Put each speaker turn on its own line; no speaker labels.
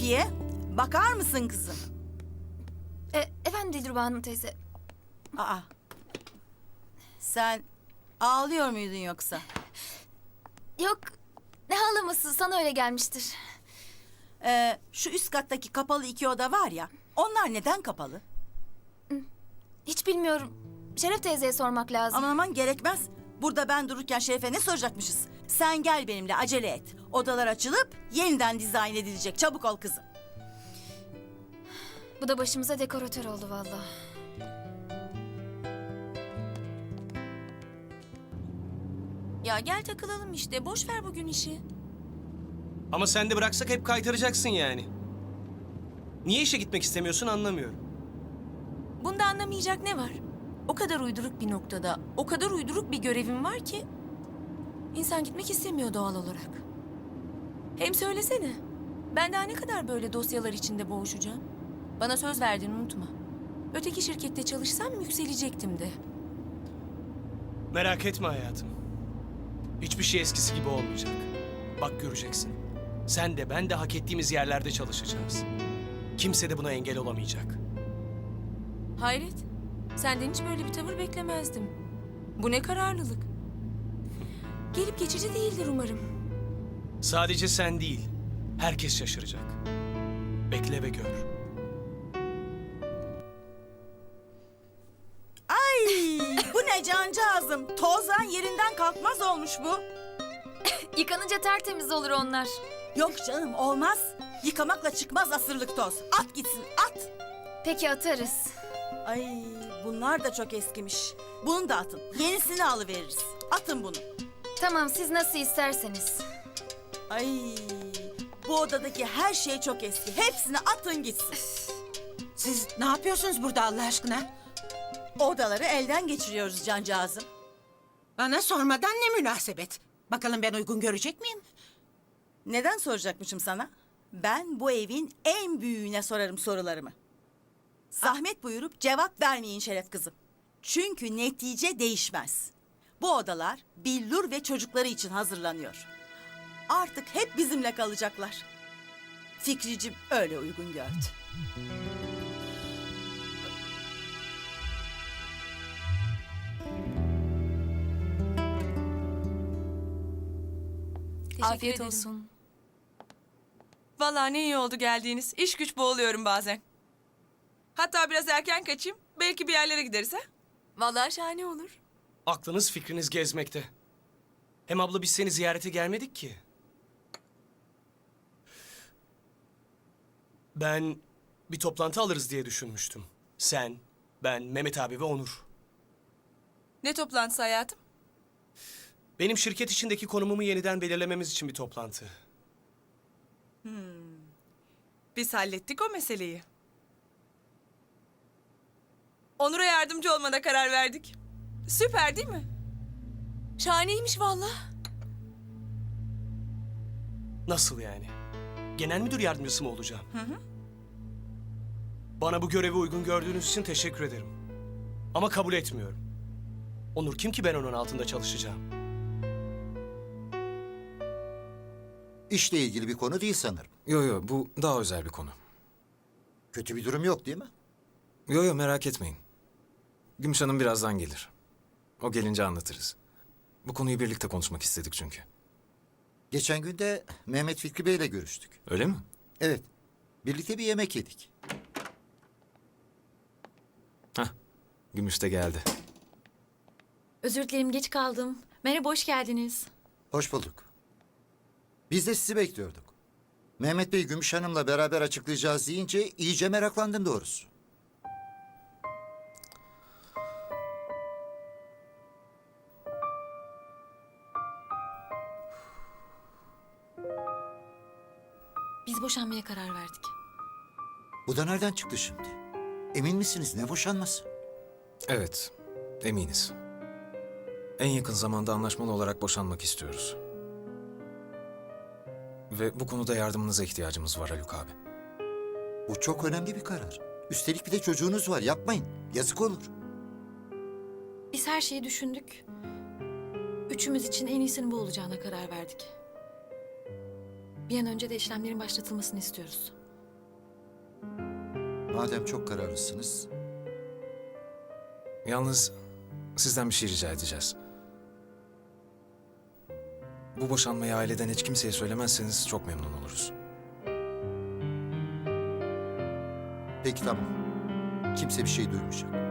Rukiye, bakar mısın kızım?
Efendim Dilruba Hanım teyze.
Aa, sen ağlıyor muydun yoksa?
Yok, ne ağlaması, sana öyle gelmiştir.
Şu üst kattaki kapalı 2 oda var ya, onlar neden kapalı?
Hiç bilmiyorum. Şeref teyzeye sormak lazım.
Aman aman gerekmez. Burada ben dururken Şeref'e ne soracakmışız? Sen gel benimle, acele et. Odalar açılıp yeniden dizayn edilecek. Çabuk ol kızım.
Bu da başımıza dekoratör oldu vallahi.
Ya gel takılalım işte. Boş ver bugün işi.
Ama sen de bıraksak hep kaytaracaksın yani. Niye işe gitmek istemiyorsun anlamıyorum.
Bunda anlamayacak ne var? O kadar uyduruk bir noktada, o kadar uyduruk bir görevim var ki... ...insan gitmek istemiyor doğal olarak. Hem söylesene. Ben daha ne kadar böyle dosyalar içinde boğuşacağım? Bana söz verdin unutma. Öteki şirkette çalışsam yükselecektim de.
Merak etme hayatım. Hiçbir şey eskisi gibi olmayacak. Bak göreceksin. Sen de ben de hak ettiğimiz yerlerde çalışacağız. Kimse de buna engel olamayacak.
Hayret. Senden hiç böyle bir tavır beklemezdim. Bu ne kararlılık. Gelip geçici değildir umarım.
Sadece sen değil, herkes şaşıracak. Bekle ve gör.
Ay, bu ne cancağızım? Tozdan yerinden kalkmaz olmuş bu.
Yıkanınca tertemiz olur onlar.
Yok canım, olmaz. Yıkamakla çıkmaz asırlık toz. At gitsin, at.
Peki atarız.
Ay, bunlar da çok eskimiş. Bunu da atın. Yenisini alıveririz. Atın bunu.
Tamam, siz nasıl isterseniz.
Ay, bu odadaki her şey çok eski. Hepsini atın gitsin.
Siz ne yapıyorsunuz burada Allah aşkına?
Odaları elden geçiriyoruz cancağızım.
Bana sormadan ne münasebet. Bakalım ben uygun görecek miyim?
Neden soracakmışım sana? Ben bu evin en büyüğüne sorarım sorularımı. Zahmet buyurup cevap vermeyin Şeref kızım. Çünkü netice değişmez. Bu odalar Billur ve çocukları için hazırlanıyor. Artık hep bizimle kalacaklar. Fikricim öyle uygun gördü.
Afiyet olsun. Vallahi ne iyi oldu geldiğiniz. İş güç boğuluyorum bazen.
Hatta biraz erken kaçayım. Belki bir yerlere gideriz ha?
Vallahi şahane olur.
Aklınız fikriniz gezmekte. Hem abla biz seni ziyarete gelmedik ki. Ben bir toplantı alırız diye düşünmüştüm. Sen, ben, Mehmet abi ve Onur.
Ne toplantısı hayatım?
Benim şirket içindeki konumumu yeniden belirlememiz için bir toplantı.
Biz hallettik o meseleyi. Onur'a yardımcı olmana karar verdik. Süper değil mi?
Şahaneymiş vallahi.
Nasıl yani? Genel müdür yardımcısı mı olacağım? Bana bu görevi uygun gördüğünüz için teşekkür ederim. Ama kabul etmiyorum. Onur kim ki ben onun altında çalışacağım?
İşle ilgili bir konu değil sanırım.
Yo bu daha özel bir konu.
Kötü bir durum yok değil mi?
Yo merak etmeyin. Gümüş Hanım birazdan gelir. O gelince anlatırız. Bu konuyu birlikte konuşmak istedik çünkü.
Geçen gün de Mehmet Fikri Bey'le görüştük.
Öyle mi?
Evet, birlikte bir yemek yedik.
Hah, Gümüş de geldi.
Özür dilerim geç kaldım. Merhaba hoş geldiniz.
Hoş bulduk. Biz de sizi bekliyorduk. Mehmet Bey Gümüş Hanım'la beraber açıklayacağız deyince iyice meraklandım doğrusu.
Biz boşanmaya karar verdik.
Bu da nereden çıktı şimdi? Emin misiniz ne boşanması?
Evet, eminiz. En yakın zamanda anlaşmalı olarak boşanmak istiyoruz. Ve bu konuda yardımınıza ihtiyacımız var Haluk abi.
Bu çok önemli bir karar. Üstelik bir de çocuğunuz var yapmayın. Yazık olur.
Biz her şeyi düşündük. Üçümüz için en iyisinin bu olacağına karar verdik. Bir an önce de işlemlerin başlatılmasını istiyoruz.
Madem çok kararlısınız,
Yalnız sizden bir şey rica edeceğiz. Bu boşanmayı aileden hiç kimseye söylemezseniz çok memnun oluruz.
peki tamam. Kimse bir şey duymayacak.